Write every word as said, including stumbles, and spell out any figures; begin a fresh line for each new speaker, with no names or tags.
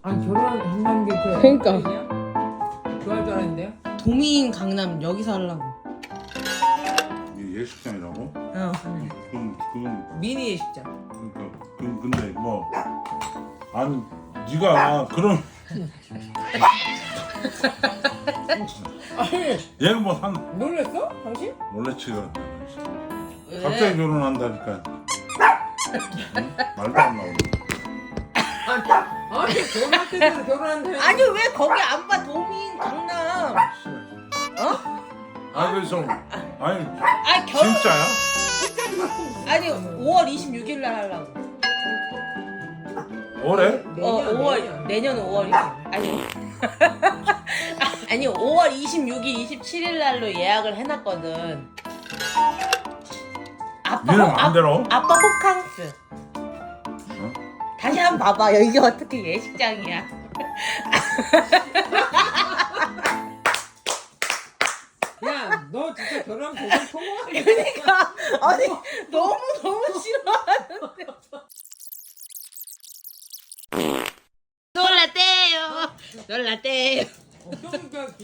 아니 결혼한다는 게 그.
그러니까.
좋아할 줄 알았는데요?
도민 강남 여기서 하려고.
이게 예식장이라고?
어.
그럼 그건
미니 예식장.
그러니까 그 근데 뭐 아니 네가 그런
아니
얘가 뭐한
놀랬어? 당신?
놀래치가
왜?
갑자기 결혼한다니까 응? 말도 안 나오네.
아니 아니 결혼할 때도 결혼한다.
아니 왜 거기 안 봐? 도민 강남. 어?
아 그래서 아니
아 결혼.
진짜야?
아니 오월 이십육일 날 하려고.
올해?
내년,
어 오월
내년.
내년 오월 이십. 아니. 아니 오월 이십육일 이십칠일 날로 예약을 해놨거든. 아빠
니는
호, 아,
마음대로?
아빠 호캉스.
어?
다시 한번 봐봐. 여기 어떻게 예식장이야?
야, 너 진짜 결혼 고생 통화하겠다.
그러니까 아니 너무 너무 싫어하는데. 놀랐대요. 놀랐대요.
어, 그러니까